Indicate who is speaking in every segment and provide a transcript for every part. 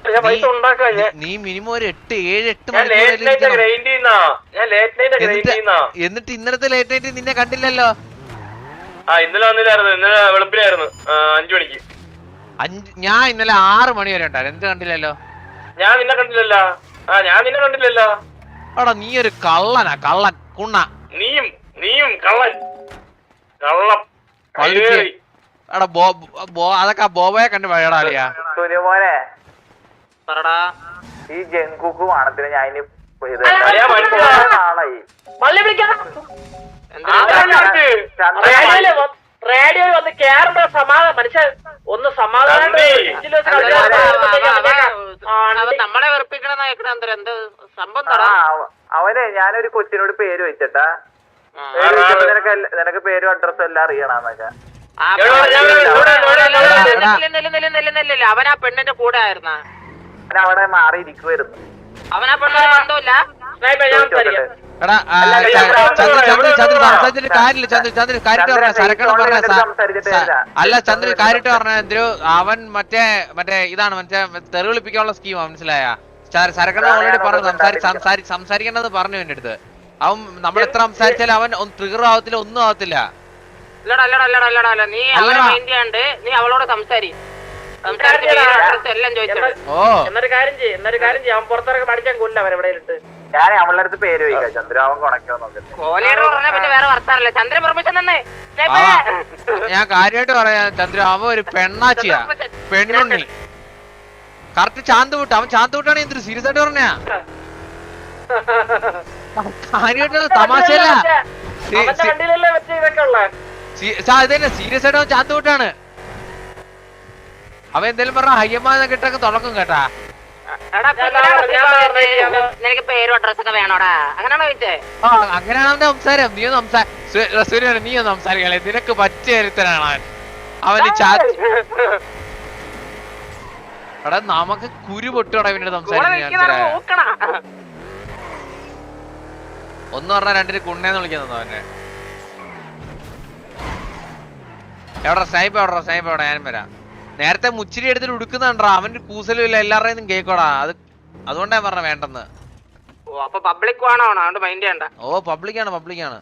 Speaker 1: നീ മിനിമം ഒരു 8-7 എന്നിട്ട് ഇന്നലത്തെ ലേറ്റ് നൈറ്റ് നിന്നെ കണ്ടില്ലല്ലോ.
Speaker 2: ഇന്നലെ വന്നില്ലായിരുന്നു, ഇന്നലെ വെളുപ്പിനായിരുന്നു 5 മണിക്ക്.
Speaker 1: ഞാൻ ഇന്നലെ 6 മണി വരെ ഉണ്ടായിരുന്നു. എന്ത് കണ്ടില്ലല്ലോ?
Speaker 2: ഞാൻ നിന്നെ കണ്ടില്ലല്ലോ. ഞാൻ നിന്നെ കണ്ടില്ലല്ലോ.
Speaker 1: എടാ നീ ഒരു കള്ളനാ, കള്ളൻ കുണ്ണ.
Speaker 2: നീയും കള്ളൻ കള്ളം.
Speaker 1: എടാ അതൊക്കെ ബോബയെ കണ്ട് വഴടാളിയാ.
Speaker 3: സുനിമോനെ ഈ ജങ്കുക്ക് വാണത്തിന് ഞാൻ
Speaker 2: റേഡിയോ വന്ന് കേറുമ്പോ മനുഷ്യൻ ഒന്ന് സമാധാനം
Speaker 4: നമ്മളെ വെറുപ്പിക്കണ എന്ത് സംഭവം.
Speaker 3: അവനെ ഞാനൊരു കൊച്ചിനോട് പേര് വെച്ചിട്ടാ, നിനക്ക് പേരും അഡ്രസ്സും എല്ലാം അറിയണമെന്നൊക്കെ.
Speaker 4: അവൻ ആ പെണ്ണിന്റെ കൂടെ ആയിരുന്ന,
Speaker 3: അവിടെ മാറിയിരിക്കുവായിരുന്നു.
Speaker 4: അവൻ ആ പെണ്ണിന് ബന്ധമില്ല.
Speaker 1: അല്ല ചന്ദ്രൻ കാര്യമായിട്ട് പറഞ്ഞ അവൻ മറ്റേ ഇതാണ് മറ്റേ തെറിവിളിപ്പിക്കാനുള്ള സ്കീമാ, മനസ്സിലായ? സരക്കണ്ണ ഓൾറെഡി പറഞ്ഞു സംസാരിക്കേണ്ടത് പറഞ്ഞു എന്റെ അടുത്ത്. അവൻ നമ്മൾ എത്ര സംസാരിച്ചാലും അവൻ ട്രിഗർ ആവത്തില്ല, ഒന്നും ആവത്തില്ല.
Speaker 4: നീ അവളെ മൈൻഡ് ചെയ്യാണ്ട് നീ അവളോട് സംസാരിക്കും.
Speaker 2: എന്നൊരു കാര്യം ചെയ്യും, അവൻ പുറത്തിറങ്ങി പഠിക്കാൻ കൊല്ല അവൻ എവിടെ ഇട്ട്.
Speaker 3: ഞാൻ അവളുടെ അടുത്ത് പേര് ചോദിക്കാം, ചന്ദ്രാവൻ കൊണക്കോ
Speaker 4: പിന്നെ വേറെ വർത്താനല്ലേ. ചന്ദ്രൻ പെർമിഷൻ തന്നെ.
Speaker 1: ഞാൻ കാര്യമായിട്ട് പറയാ ചന്ദ്ര, അവൻ ഒരു പെണ്ണാച്ചിയാ, പെണ്ണുണ്ണി. കറക്റ്റ് ചാന്ത് അവൻ ചാന്ത് വിട്ടാണ്. എന്തൊരു സീരിയസ് ആയിട്ട് പറഞ്ഞാ, കാര്യമായിട്ട് തമാശയല്ല. ഇതന്നെ സീരിയസ് ആയിട്ട് അവൻ ചാന്ത് വിട്ടാണ്. അവൻ എന്തേലും പറഞ്ഞ ഹയ്യമ്മ കിട്ടൊക്കെ തുടക്കം കേട്ടാ.
Speaker 4: നിനക്ക് പേരും അഡ്രസ്സൊക്കെ വേണോടാ, അങ്ങനെയാണോ ചോദിച്ചേ?
Speaker 1: അങ്ങനെയാണ് അവന്റെ സംസാരം. നീ ഒന്ന് സംസാരിക്കണേ, നിനക്ക് പറ്റിയ ഒരുത്തനാണ് അവന്. എടാ നമുക്ക് കുരു പൊട്ടോടാ ഇവന്റെ സംസാരിക്കാൻ. ഒന്ന് പറഞ്ഞാ രണ്ടിന് കുണ്ണേന്ന് വിളിക്കുന്നു അവനെ. എവിടാ സ്നൈപ്പ്, എവിടെ ഞാനും വരാം. നേരത്തെ മുച്ചിരി എടുത്തിട്ട് ഉടുക്കുന്നുണ്ടാ, അവന്റെ കൂസലും ഇല്ല, എല്ലാവരുടെയും കേക്കോടാ. അതുകൊണ്ടാ പറഞ്ഞ വേണ്ടെന്ന്. ഓ പബ്ലിക്കാണ്.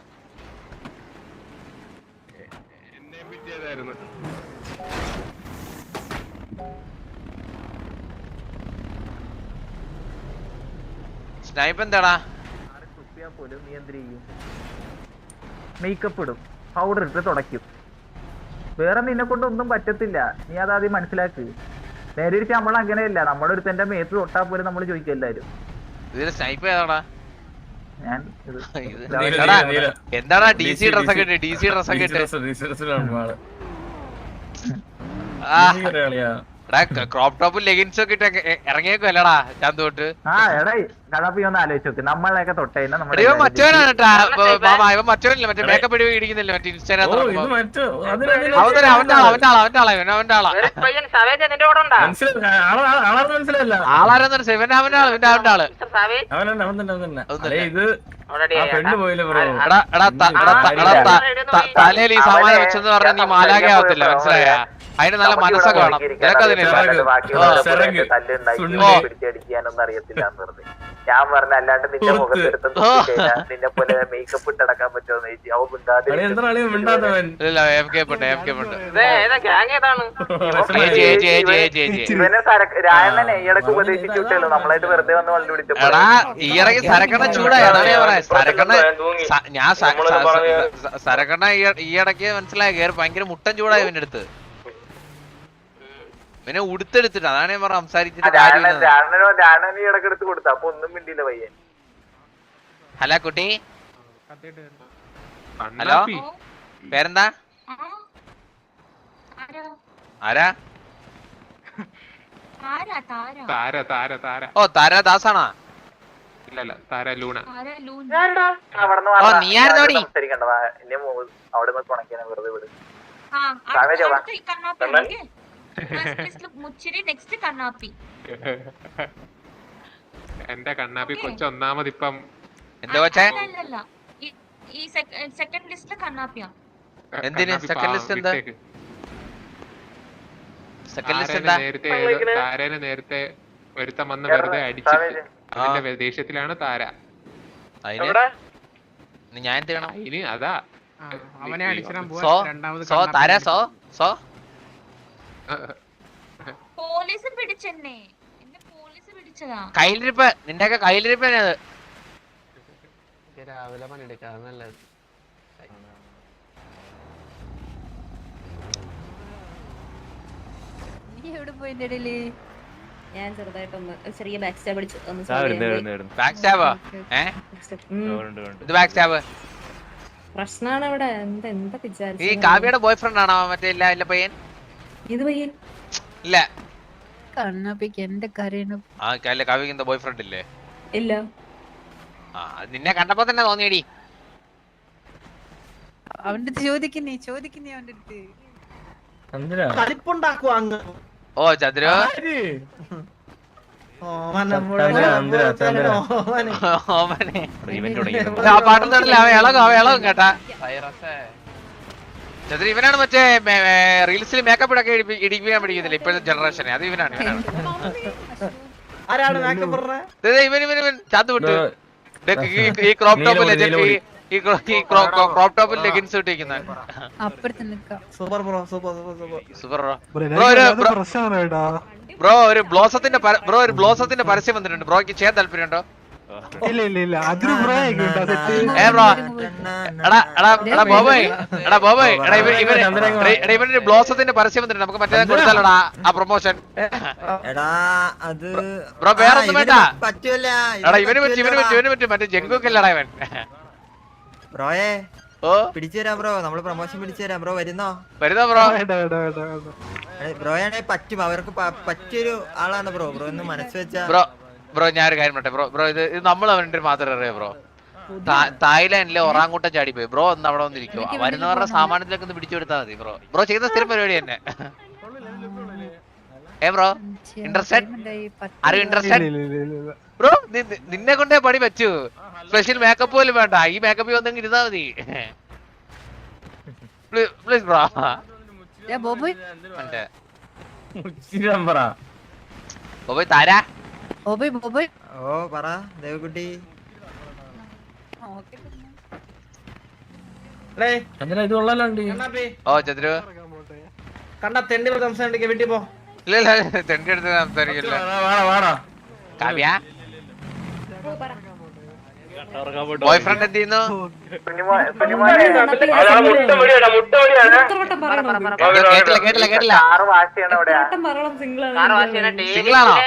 Speaker 1: സ്നൈപ്പ് എന്താടാ?
Speaker 3: മേക്കപ്പ് ഇടും, പൗഡർ ഇട്ട് തുടയ്ക്കും. വേറെ നിന്നെ കൊണ്ട് ഒന്നും പറ്റത്തില്ല, നീ അതാദ്യം മനസ്സിലാക്ക്. നേരെ തിരിച്ച് നമ്മൾ അങ്ങനെയല്ല, നമ്മുടെ ഒരുത്തന്റെ മേത്ത് തൊട്ടാ പോലും നമ്മൾ ചോദിക്കും എല്ലാരും.
Speaker 1: എന്താടാ DC ഡ്രസ്സൊക്കെ ക്രോപ്പ് ടോപ്പും ലെഗിൻസും ഒക്കെ ഇട്ട് ഇറങ്ങിയേക്കും അല്ലടാ ചാന്ത് തൊട്ട്.
Speaker 3: ആലോചിച്ച് നോക്ക്, നമ്മളെയൊക്കെ തൊട്ടേനെ
Speaker 1: മറ്റവനാണ് കേട്ടാ ഇവൻ, മറ്റവനല്ലേ മറ്റേ മേക്കപ്പ് ഇടിക്കുന്നില്ല മറ്റേ ഇൻസ്റ്റാഗ്രാം. അവന്റെ ആളാ. ആളാരെന്ന് അവന്റെ ആള്. തലയിൽ ഈ സാമാനം വെച്ചെന്ന് പറഞ്ഞ നീ മാലാകെ ആവത്തില്ല, മനസ്സിലായ? അതിന് നല്ല മനസ്സൊക്കെ വേണം.
Speaker 3: പിടിച്ചടിക്കാനൊന്നും അറിയത്തില്ല എന്ന് പറഞ്ഞു. ഞാൻ പറഞ്ഞ അല്ലാണ്ട് നിന്റെ മുഖത്തെടുത്ത് നിന്നെ പോലെ മേക്കപ്പ് ഇട്ടടക്കാൻ പറ്റുമോന്ന് ചോദിച്ചു. ഇവനെ രായണ്ണനെ ഈയിടക്ക് ഉപദേശിച്ചു വിട്ടല്ലോ, നമ്മളായിട്ട് വെറുതെ വന്ന് വണ്ടി വിളിച്ചപ്പോ
Speaker 1: സരക്കണ്ണ ഈയിടക്ക് മനസ്സിലായ ഭയങ്കര മുട്ടൻ ചൂടായി ഇവന്റെ അടുത്ത്. പിന്നെ ഉടുത്തെടുത്തിട്ട് അതാണ് ഞാൻ പറഞ്ഞ സംസാരിച്ചിട്ട്. ഹലോ കുട്ടി, ഹലോ പേരെന്താ? ആരാ? ഓ താരാദാസാണോ? ഓ നീ ആയിരുന്നോടി?
Speaker 5: എന്റെ കണ്ണാപ്പി കൊച്ചു ഒന്നാമത് ഇപ്പം
Speaker 1: എന്താ കൊച്ചേ?
Speaker 6: സെക്കൻഡ് ലിസ്റ്റില് കണ്ണാപ്പിയാ.
Speaker 1: എന്തിന് സെക്കൻഡ് ലിസ്റ്റ്? എന്താ സെക്കൻഡ് ലിസ്റ്റ്?
Speaker 5: നേരത്തെ ഒരുത്തൻ വന്ന് വെറുതെ അടിച്ചിട്ട് അതിന്റെ ദേഷ്യത്തിലാണ് താര.
Speaker 1: അതിന് ഞാൻ എന്ത് ചെയ്യണം?
Speaker 5: ഇനി അതാ
Speaker 6: അവനെ അടിച്ചിടാൻ
Speaker 1: so so Tara so so
Speaker 7: police പിടിച്ചെന്നെ, എന്നെ പോലീസ് പിടിച്ചതാ.
Speaker 1: കയ്യിലിരിപ്പ്, നിന്റെയൊക്കെ കയ്യിലിരിപ്പ് അത്.
Speaker 6: രാവിലെ പണിയെടുക്കാം നല്ലത്.
Speaker 7: നീ എവിടെ പോയിന്റെ ഇടയില്?
Speaker 8: ഞാൻ ചെറുതായിട്ടൊന്ന് ചെറിയ ബാക്ക് സ്റ്റാബ് അടിച്ചു ഒന്ന്
Speaker 1: ബാക്ക് സ്റ്റാബോ? ഇത് ബാക്ക് സ്റ്റാബ്.
Speaker 8: പ്രശ്നമാണ് ഇവിടെ. എന്താ
Speaker 1: ഈ
Speaker 8: വിചാരിച്ചു?
Speaker 1: കാവ്യയുടെ ബോയ് ഫ്രണ്ട് ആണോ മറ്റേ? ഇല്ല പയ്യൻ
Speaker 8: ഇത് പയ്യൻ
Speaker 1: ഇല്ല.
Speaker 7: കണ്ണാപ്പിക്ക് എന്റെ കരയണം.
Speaker 1: ആ കാവ്യക്ക് എന്താ ബോയ് ഫ്രണ്ട് ഇല്ലേ?
Speaker 8: ഇല്ല.
Speaker 1: ആ നിന്നെ കണ്ടപ്പോ തന്നെ തോന്നിയടി.
Speaker 7: അവന്റെ അടുത്ത് ചോദിക്കുന്നേ അവന്റെ അടുത്ത്.
Speaker 2: കളിപ്പുണ്ടാക്കുവാ അങ്ങ്.
Speaker 1: ഓ ചന്ദ്രു പാട്ടുന്നില്ല. അവ ഇളകും കേട്ടാ. ചന്ദ്രു ഇവനാണ് മറ്റേ റീൽസിൽ മേക്കപ്പ് ഇടൊക്കെ ഇടിപ്പിക്കാൻ പഠിക്കുന്നില്ല ഇപ്പോഴത്തെ ജനറേഷനെ. അത് ഇവനാണ്.
Speaker 2: ആരാണ് മേക്കപ്പ് പറഞ്ഞത്?
Speaker 1: ഇവൻ ചാത്ത് വിട്ടു ഈ ക്രോപ്പ് ടോപ്പിൽ ക്രോപ്പ് ടോപ്പിൽ ലെഗിൻസ് ഇട്ടിരിക്കുന്ന
Speaker 2: super bro, super
Speaker 1: super bro. ഒരു ബ്ലോസത്തിന്റെ പരസ്യം വന്നിട്ടുണ്ട്. ബ്രോക്ക് ചെയ്യാൻ താല്പര്യമുണ്ടോ? ഇവനൊരു ബ്ലോസത്തിന്റെ പരസ്യം വന്നിട്ടുണ്ട്. നമുക്ക് മറ്റേ കൊടുത്താലോടാ ആ പ്രൊമോഷൻ. ബ്രോ വേറൊന്നും വേണ്ട. എടാ ഇവന് പറ്റും. മറ്റേ ജങ്കുക്കല്ലടാ ഇവൻ.
Speaker 9: ബ്രോയെ
Speaker 1: ഓ
Speaker 9: പിടിച്ചുതരാം ബ്രോ, നമ്മള് പ്രൊമോഷൻ പിടിച്ചുതരാം ബ്രോ. വരുന്നോ
Speaker 1: ബ്രോ?
Speaker 9: ബ്രോയാണെ പറ്റും, അവർക്ക് പറ്റിയൊരു ആളാണ് ബ്രോ. ബ്രോ ഒന്ന് മനസ്സ് വെച്ചാ.
Speaker 1: ബ്രോ ഞാനൊരു കാര്യം പറയട്ടെ ബ്രോ. ഇത് നമ്മൾ അവന്റെ മാത്രം അറിയാം ബ്രോ. തായ്ലാൻഡിലെ ഒറാങ്കൂട്ടം ചാടിപ്പോയി ബ്രോ. ഒന്ന് അവിടെ വന്നിരിക്കുവോ? വരുന്നവരുടെ സാമാനത്തിലൊക്കെ ഒന്ന് പിടിച്ചു കൊടുത്താൽ മതി ബ്രോ. ബ്രോ ചെയ്യുന്ന സ്ഥിരം പരിപാടി തന്നെ. Bro interested? ആരും ഇൻട്രസ്റ്റഡ് ബ്രോ? നിന്നെ കൊണ്ടേ പണി പറ്റൂ. സ്പെഷ്യൽ മേക്കപ്പ് പോലും വേണ്ട. ഈ മേക്കപ്പ് വന്നെങ്കിൽ ഇരുന്നാ മതി. Please bro. ബോബോയ് താരാ.
Speaker 9: ഓ പറ ദേവകുട്ടി.
Speaker 1: ഓ ചന്ദ്രു
Speaker 2: കണ്ട തെണ്ടി സംസാരിക്കാൻ വീട്ടിൽ പോ.
Speaker 1: ഇല്ല തെണ്ടി എടുത്ത് സംസാരിക്കില്ല. കാവ്യ ബോയ് ഫ്രണ്ട് എന്ത് ചെയ്യുന്നു? കേട്ടില്ല. സിംഗിളാണോ?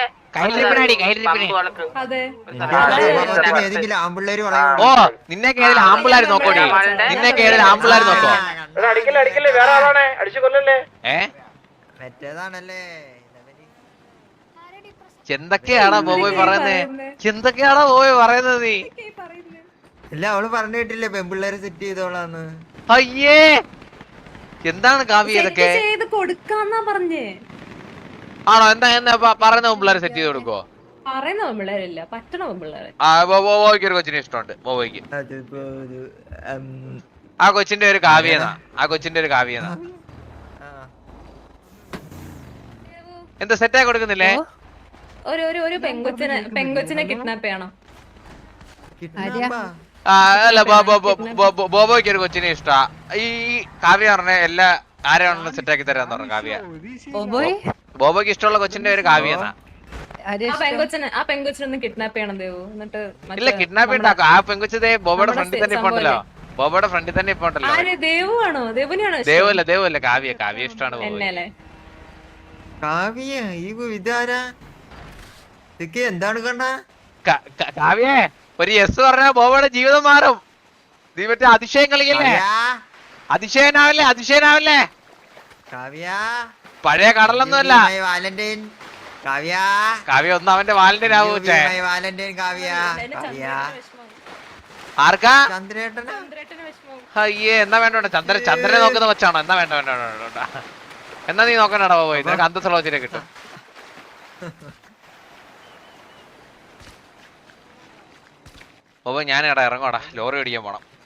Speaker 9: ഏതെങ്കിലും ആമ്പിള്ളേര്
Speaker 1: ഓ നിന്നെ കേരള ആമ്പിള്ളാര് നോക്കോടി. നിന്നെ കേരള ആമ്പിള്ളാര് നോക്കോ?
Speaker 2: അടിക്കല്ലേ വേറെ ആളാണേ, അടിച്ചു കൊല്ലല്ലേ.
Speaker 9: മറ്റേതാണല്ലേ.
Speaker 1: എന്തൊക്കെയാണോ ബോബോയ് പറയുന്നേ? എന്തൊക്കെയാണോ ബോബോയ് പറയുന്നത്? നീ
Speaker 9: ഇല്ല അവള് പറഞ്ഞു കേട്ടില്ലേ പെമ്പിള്ളേരെ സെറ്റ് ചെയ്തോളാന്ന്.
Speaker 1: അയ്യേ എന്താണ് കാവ്യ ഇതൊക്കെ?
Speaker 8: കൊടുക്കാന്നാ പറഞ്ഞേ.
Speaker 1: ആണോ? എന്താ പറയുന്ന പിള്ളേരെ സെറ്റ് ചെയ്ത് കൊടുക്കോ?
Speaker 8: പറയുന്ന പെമ്പിള്ളേരില്ല, പറ്റണ പെമ്പിള്ളേരെ.
Speaker 1: ബോബോയ്ക്ക് ഒരു കൊച്ചിനെ ഇഷ്ടമുണ്ട്. ബോബോയ്ക്ക് ആ കൊച്ചിന്റെ ഒരു കാവ്യനാ. എന്താ സെറ്റായി കൊടുക്കുന്നില്ലേ?
Speaker 8: ഒരു പെങ്കൊച്ചിനെ കിഡ്നാപ്പ് ചെയ്യണം.
Speaker 1: അല്ല ബോബോയ്ക്ക് ഒരു കൊച്ചിനെ ഇഷ്ടാ. ഈ കാവ്യ പറഞ്ഞ എല്ലാ ആരെയാണെന്ന് സെറ്റാക്കി തരാന്ന് പറഞ്ഞു കാവ്യ. ബോബോയ്ക്ക് ഇഷ്ടമുള്ള കൊച്ചിന്റെ ഒരു കാവ്യനാ.
Speaker 8: ആ പെങ്കൊച്ചിനൊന്ന് കിഡ്നാപ്പ് ചെയ്യണം ദേവു. എന്നിട്ട്
Speaker 1: ഇല്ല കിഡ്നാപ്പ് ഉണ്ടാക്കും. ആ പെങ്കൊച്ചതേ ബോബോയുടെ ഫ്രണ്ടിൽ തന്നെ ഇപ്പൊ ഉണ്ടല്ലോ.
Speaker 8: ദേവുവാണോ? ദേവുനെയാണോ?
Speaker 1: ദേവല്ല കാവ്യ ഇഷ്ടമാണ്.
Speaker 9: കാവ്യ ഈ ഇതാരാ? ഇതൊക്കെ എന്താണ് കണ്ണ?
Speaker 1: കാവ്യ ഒരു യെസ് പറഞ്ഞാ ബോബോയുടെ ജീവിതം മാറും. നീ മറ്റേ അതിശയം കളിക്കല്ലേ? അതിശയനാവല്ലേ?
Speaker 9: കാവ്യ
Speaker 1: പഴയ കടലൊന്നുമല്ല.
Speaker 9: വാലന്റൈൻ
Speaker 1: കാവ്യ ഒന്ന് അവന്റെ വാലന്റൈൻ ആവൂ.
Speaker 9: വാലന്റൈൻ കാവ്യ.
Speaker 1: ആർക്കാ?
Speaker 9: ചന്ദ്രേട്ടന്.
Speaker 1: അയ്യേ എന്നാ വേണ്ട ചന്ദ്രനെ നോക്കുന്ന കൊച്ചാണോ? എന്നാ വേണ്ട എന്നാ നീ നോക്കണടാ പോയി. നിനക്ക് അന്തസ്സുള്ള കൊച്ചിനെ കിട്ടും. ഞാൻ ഇറങ്ങോടാ, ലോറി ഓടിക്കാൻ പോണം.